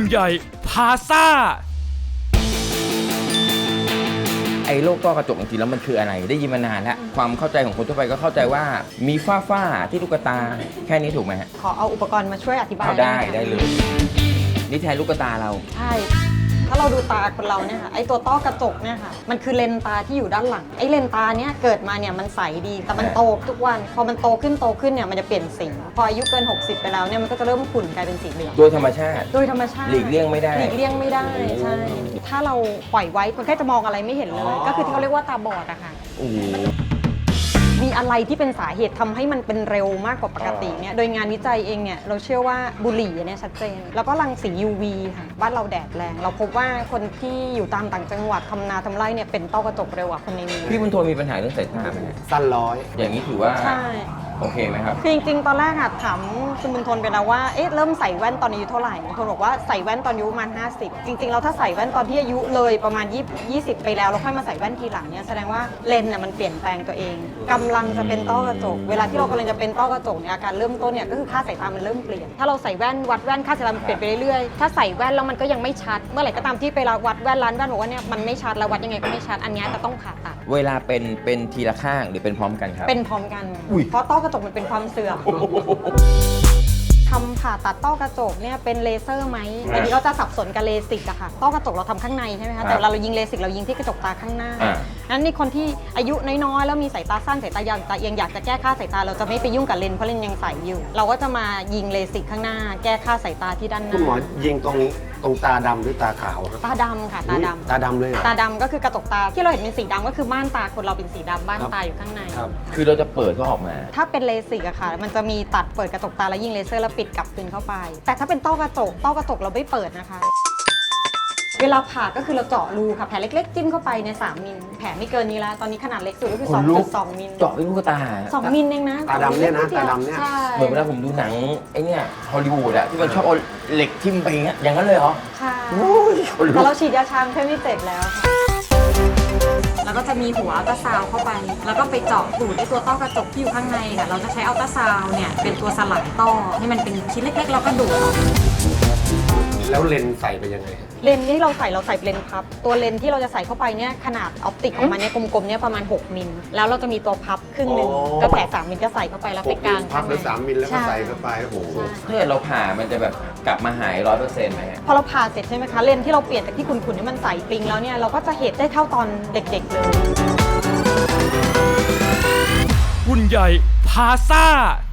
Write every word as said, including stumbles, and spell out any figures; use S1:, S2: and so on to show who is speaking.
S1: ใหญ่พาซ่า
S2: ไอ้โรคต้อกระจกจริงๆแล้วมันคืออะไรได้ยินมานานแล้วความเข้าใจของคนทั่วไปก็เข้าใจว่ามีฝ้าฝ้าที่ลูกตาแค่นี้ถูกไหมฮะ
S3: ขอเอาอุปกรณ์มาช่วยอธิบาย
S2: เอาได้ได้เลยนี่แทนลูกตาเรา
S3: ใช่ถ้าเราดูตาคนเราเนี่ยค่ะไอตัวต้อกระจกเนี่ยค่ะมันคือเลนตาที่อยู่ด้านหลังไอเลนตาเนี่ยเกิดมาเนี่ยมันใสดีแต่มันโตทุกวันพอมันโตขึ้นโตขึ้นเนี่ยมันจะเปลี่ยนสีพออายุเกินหกสิบไปแล้วเนี่ยมันก็จะเริ่มขุ่นกลายเป็นสีเหลือง
S2: โดยธรรมชาติ
S3: โดยธรรมชาติ
S2: หลีกเลี่ยงไม่ได้
S3: หลีกเลี่ยงไม่ได้ใช่ถ้าเราปล่อยไว้คนแค่จะมองอะไรไม่เห็นเลยก็คือที่เขาเรียกว่าตาบอดอะค่ะมีอะไรที่เป็นสาเหตุทำให้มันเป็นเร็วมากกว่าปกติเนี่ยโดยงานวิจัยเองเนี่ยเราเชื่อว่าบุหรี่เนี่ยชัดเจนแล้วก็รังสี ยู วี ค่ะบ้านเราแดดแรงเราพบว่าคนที่อยู่ตามต่างจังหวัดทำนาทำไร่เนี่ยเป็นต้อกระจกเร็วกว่าคนในเมือง
S2: พี่บุญโทมีปัญหาเรื่องสายตาไหม
S4: สั้นร้อย
S2: อย่างนี้ถือว่า
S3: ใช่
S2: โอเคไหมครับ
S3: คือจริงๆตอนแรกอะถามคุณบุญทนไปแล้วว่าเอ๊ะเริ่มใส่แว่นตอนอายุเท่าไหร่บุญทนบอกว่าใส่แว่นตอนอายุประมาณห้าสิบจริงๆแล้วถ้าใส่แว่นตอนที่อายุเลยประมาณยี่สิบไปแล้วแล้วค่อยมาใส่แว่นทีหลังเนี่ยแสดงว่าเลนส์น่ะมันเปลี่ยนแปลงตัวเองกำลังจะเป็นต้อกระจกเวลาที่เรากำลังจะเป็นต้อกระจกเนี่ยอาการเริ่มต้นเนี่ยก็คือค่าสายตามันเริ่มเปลี่ยนถ้าเราใส่แว่นวัดแว่นค่าสายตามันเปลี่ยนไปเรื่อยๆถ้าใส่แว่นแล้วมันก็ยังไม่ชัดเมื่อไหร่ก็ตามที่ไปวัดแว่นร้านแว่นบอกว่าเนี่ยมันไม่ชัดแล้ววัดยังไงก็ไม่ชัดอันนี้จะต้องผ่าตัด
S2: เวลาเป็นเป็นทีละข้างหรือเป็นพร้อมกันครับ
S3: เป็นพร้อมกันเพราะต้อกระจกมันเป็นความเสื่อมทำผ่าตัดต้อกระจกเนี่ยเป็นเลเซอร์ไหมอันนี้ก็จะสับสนกับเลสิกอะค่ะต้อกระจกเราทำข้างในใช่ไหมคะแต่เวลาเรายิงเลสิกเรายิงที่กระจกตาข้างหน้านั้นในคนที่อายุน้อยๆแล้วมีสายตาสั้นสายตายาวแต่ยังอยากจะแก้ค่าสายตาเราจะไม่ไปยุ่งกับเลนส์เพราะเลนส์ยังใสอยู่เราก็จะมายิงเลสิกข้างหน้าแก้ค่าสายตาที่ด้านหน้า
S4: คุณหมอยิงตรงตรงตาดำหรือตาขาวครับ
S3: ตาดำค่ะตาดำ
S4: ตาดำเลย
S3: ตาดำก็คือกระจกตาที่เราเห็นเป็นสีดำก็คือม่านตาคนเราเป็นสีดำม่านตาอยู่ข้างใน
S2: คือเราจะเปิดก็ออกมา
S3: ถ้าเป็นเลสิกอะค่ะมันจะมีตัดเปิดกระจกตาแล้วยิงเลเซอร์แล้วปิดกลับคืนเข้าไปแต่ถ้าเป็นต้อกระจกต้อกระจกเราไม่เปิดนะคะเวลาผ่าก็คือเราเจาะรูค่ะแผลเล็กๆจิ้มเข้าไปในสามมิลแผลไม่เกินนี้แล้วตอนนี้ขนาดเล็กสุดก็คือสองจุดสองมิล
S2: เจาะไปลูกตา
S3: สองมิลเองนะ
S4: ตาดำเนี่ยนะตาดำเนี่ย
S2: เหมือนเวลาผมดูหนังไอ้เนี่ยฮอลลีวูดอะที่มันชอบเอาเหล็กทิ่มไปเงี้ยอย่างนั้นเลยเหรอ
S3: ค่ะแต่เราฉีดยาชาแค่ไม่เจ็บแล้วแล้วก็จะมีหัวอัลตราซาวเข้าไปแล้วก็ไปเจาะดูดในตัวต้อกระจกที่อยู่ข้างในค่ะเราจะใช้อัลตราซาวเนี่ยเป็นตัวสลายต้อให้มันเป็นชิ้นเล็กๆแล้วก็ดูดออก
S4: แล้วเลนส์ใส่ไปยังไง
S3: เลนส์ที่เราใส่เราใส่เลนส์พับตัวเลนส์ที่เราจะใส่เข้าไปเนี่ยขนาดออปติกของมันเนี่ยกลมๆเนี่ยประมาณหกมิลแล้วเราจะมีตัวพับครึ่งหนึ่งก็แผลสามมิลก็ใส่เข้าไปแล้วไปกลาง
S4: พับหรือสามมิลแล้วก็ใส่เข้าไปโอ้โห
S2: เพื่อเราผ่ามันจะแบบกลับมาหายร้อยเปอร์เซ็นต์ไหม
S3: พอเราผ่าเสร็จใช่ไหมคะเลนส์ที่เราเปลี่ยนจากที่ขุ่นๆนี่มันใสปริงแล้วเนี่ยเราก็จะเห็นได้เท่าตอนเด็กๆเลย
S1: หุ่นใหญ่พาซ่า